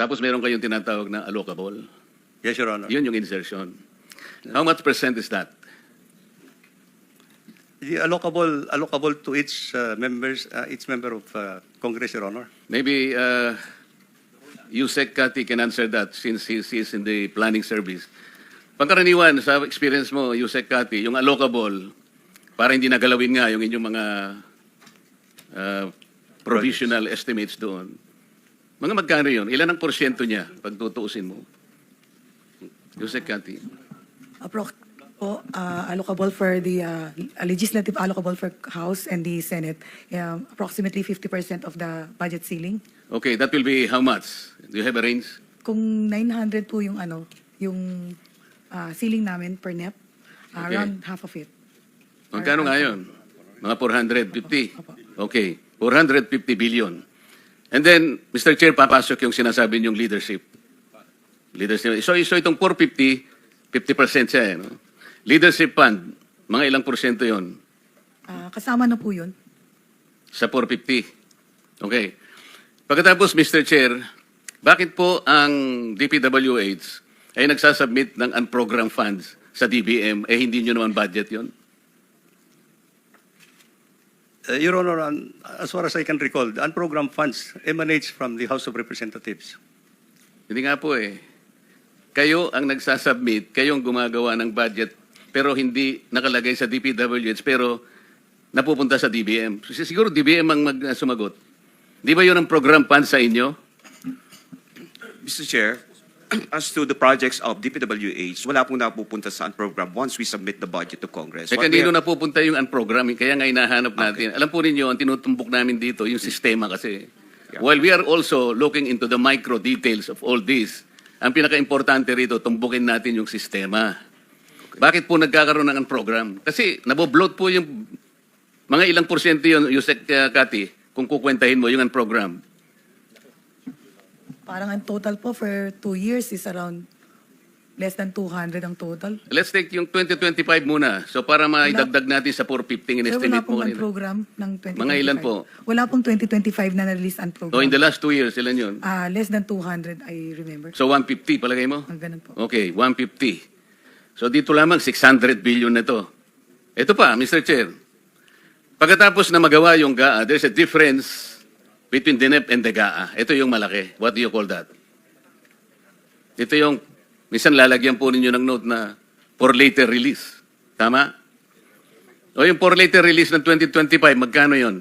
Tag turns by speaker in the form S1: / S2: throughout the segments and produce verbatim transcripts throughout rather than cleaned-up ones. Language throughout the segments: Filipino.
S1: Tapos meron kayong tinatawag na allocable.
S2: Yes, Your Honor.
S1: Yun yung insertion. How much percent is that?
S2: The allocable, allocable to each uh, members, uh, each member of uh, Congress, Your Honor.
S1: Maybe uh, Yusek Kati can answer that since he is in the planning service. Pangkaraniwan, sa experience mo, Yusek Kati, yung allocable, para hindi nagalawin nga yung inyong mga uh, provisional estimates doon. Mga magkano yun? Ilan ang porsyento niya pag tutuusin mo? Yusek Kati.
S3: Approx po, uh, allocable for the uh, legislative allocable for House and the Senate, um, approximately fifty percent of the budget ceiling.
S1: Okay, that will be how much? Do you have a range?
S3: Kung nine hundred po yung ano, yung uh, ceiling namin per N E P, uh,
S1: Okay.
S3: around half of it.
S1: Magkano
S3: Or-
S1: nga yun? Mga four hundred fifty?
S3: Opo.
S1: Okay, four hundred fifty billion. And then, Mister Chair, papasok yung sinasabi niyong leadership. Leadership. So, so itong four fifty, fifty percent siya. Eh, no? Leadership fund, mga ilang porsyento yon
S3: Uh, kasama na po yun.
S1: sa four fifty? Okay. Pagkatapos, Mister Chair, bakit po ang D P W H ay nagsasubmit ng unprogrammed funds sa D B M, eh hindi nyo naman budget yon?
S2: Uh, Your Honor, um, as far as I can recall, the unprogrammed funds emanates from the House of Representatives.
S1: Hindi nga po eh. Kayo ang nagsasubmit, kayo ang gumagawa ng budget, pero hindi nakalagay sa D P W H, pero napupunta sa D B M. Siguro D B M ang mag, uh, sumagot. Di ba yun ang program fund sa inyo?
S4: Mister Chair, as to the projects of D P W H, wala pong napupunta sa program once we submit the budget to Congress.
S1: Eh
S4: What we
S1: kanino
S4: are-
S1: napupunta yung unprogramming? Kaya nga hinahanap natin. Alam po ninyo, ang tinutumbok namin dito, yung sistema kasi.
S4: Yeah.
S1: While we are also looking into the micro details of all this, ang pinaka-importante rito, tumbukin natin yung sistema. Bakit po nagkakaroon ng program? Kasi naboblot po yung mga ilang porsyento yun, Yusek uh, Kati, kung kukwentahin mo yung program.
S3: Parang ang total po for two years is around less than two hundred ang total.
S1: Let's take yung twenty twenty-five muna. So para maidagdag natin sa four fifty in
S3: Sir, wala
S1: estimate mo
S3: pong
S1: kanina.
S3: program ng twenty twenty-five.
S1: Mga ilan po?
S3: Wala pong twenty twenty-five na na-release ang program.
S1: So in the last two years, ilan yun?
S3: Ah, less than two hundred, I remember.
S1: So one fifty, palagay mo?
S3: Ang ganun po.
S1: Okay, one fifty. So dito lamang six hundred billion na to. Ito pa, Mister Chair. Pagkatapos na magawa yung G A A, there's a difference between the N E P and the G A A. Ito yung malaki. What do you call that? Ito yung, minsan lalagyan po ninyo ng note na for later release. Tama? O yung for later release ng twenty twenty-five, magkano yon?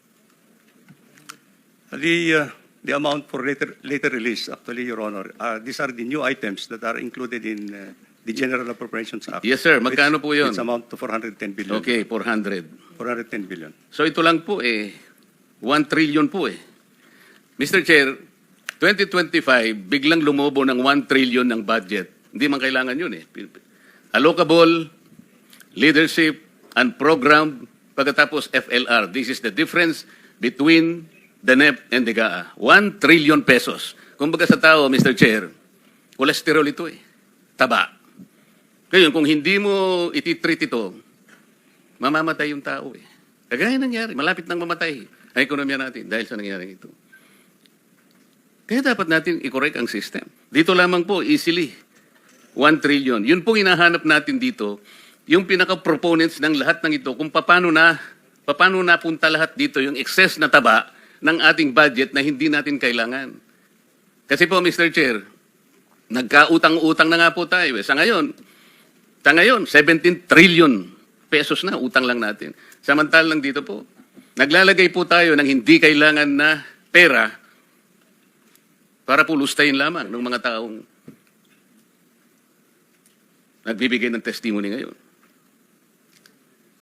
S2: The, uh, the amount for later, later release, actually, Your Honor, uh, these are the new items that are included in uh, the General Appropriations Act.
S1: Yes, sir. Magkano po yun?
S2: It's amount to four hundred ten billion.
S1: Okay, four hundred.
S2: four hundred ten billion.
S1: So ito lang po eh, one trillion po eh. Mister Chair, twenty twenty-five, biglang lumobo ng one trillion ng budget. Hindi man kailangan yun eh. Allocable, leadership, and program, pagkatapos F L R. This is the difference between the N E P and the G A A. one trillion pesos. Kumbaga sa tao, Mister Chair, cholesterol ito eh. Taba. Ngayon, kung hindi mo ititreat ito, mamamatay yung tao eh. Kagaya nangyari, malapit nang mamatay ang ekonomiya natin dahil sa nangyari ito. Kaya dapat natin i-correct ang system. Dito lamang po, easily, one trillion. Yun pong hinahanap natin dito, yung pinaka-proponents ng lahat ng ito, kung paano na, paano napunta lahat dito, yung excess na taba ng ating budget na hindi natin kailangan. Kasi po, Mister Chair, nagkautang-utang na nga po tayo. Eh. Sa ngayon, sa ngayon, seventeen trillion pesos na utang lang natin. Samantalang dito po, naglalagay po tayo ng hindi kailangan na pera para po lustayin lamang ng mga taong nagbibigay ng testimony ngayon.